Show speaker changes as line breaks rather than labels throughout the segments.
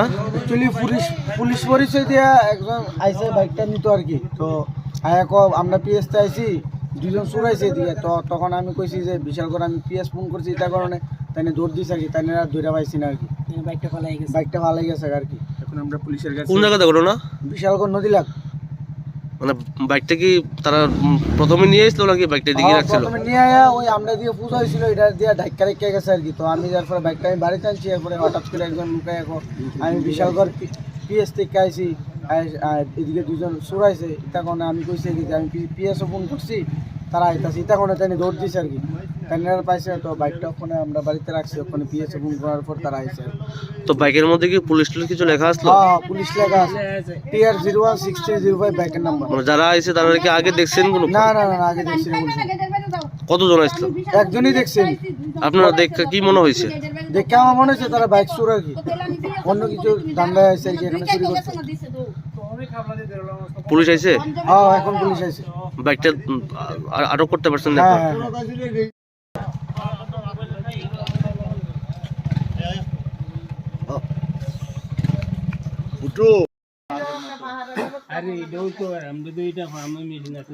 Actually police পরিচয় দিয়া একজন আইসে বাইকটা নিত আর কি। তো আমরা পিএসতে আইসি, দুজন চোর আইসে এদিকে। তো তখন আমি কইছি যে বিশাল করে আমি পিএস ফোন করছি তার কারণে তাই দৌড় দিয়েছে আর কি, তাই ধরে পাইছি না আর কি। বাইকটা ভালাই গেছে আর কি। এখন আমরা পুলিশের কাছে।
কোন জায়গাতে ঘটনা না?
বিশালগড় নদী লাগ।
মানে বাইকটা কি তারা প্রথমে নিয়ে এসেছিল নাকি বাইকটা দিকে রাখছিল?
প্রথমে নিয়ে আয়া ওই আমরা দিয়ে পূজা হয়েছিল, এটা দিয়ে ধাক্কা রেখে গেছে আর কি। তো আমি যার পরে বাইকটা আমি বাড়িতে আনছি, এরপরে হঠাৎ করে একজন লুকাই আমি বিশালগড় পিএস থেকে আইসি, এদিকে দুজন চোর আইসে। এটা কারণে আমি কইছি এদিকে আমি পিএসও ফোন করছি, তারা আইতাছি। এটা কারণে তাই দৌড় দিছে আর কি। তাই পাইছে। তো বাইকটা ওখানে আমরা বাড়িতে রাখছি, ওখানে পিএসও ফোন করার পর তারা আইসে।
তো বাইকের মধ্যে কি পুলিশ কিছু লেখা আসলো?
হ্যাঁ, পুলিশ লেখা আছে, TR 016305 বাইকের নাম্বার।
মানে যারা আইছে তারা কি আগে দেখছেন কোনো?
না আগে দেখছি না।
কতজন আসলো?
একজনই দেখছেন।
আপনারা দেখে কি মনে হয়েছে?
দেখে আমার মনে হচ্ছে তারা বাইক চোর আর কি, অন্য কিছু ধান্দা আছে আর কি, এখানে চুরি করছে।
পুলিশ আইছে?
হ্যাঁ, এখন পুলিশ আইছে।
বাইকটা আটক করতে পারছেন না?
উঠো।
আরে এটাও তো আমরা তো এটা ফার্মে মেশিন আছে।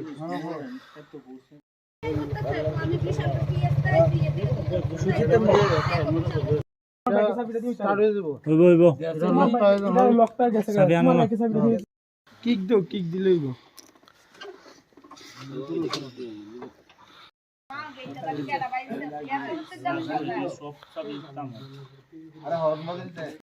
কিক দিলে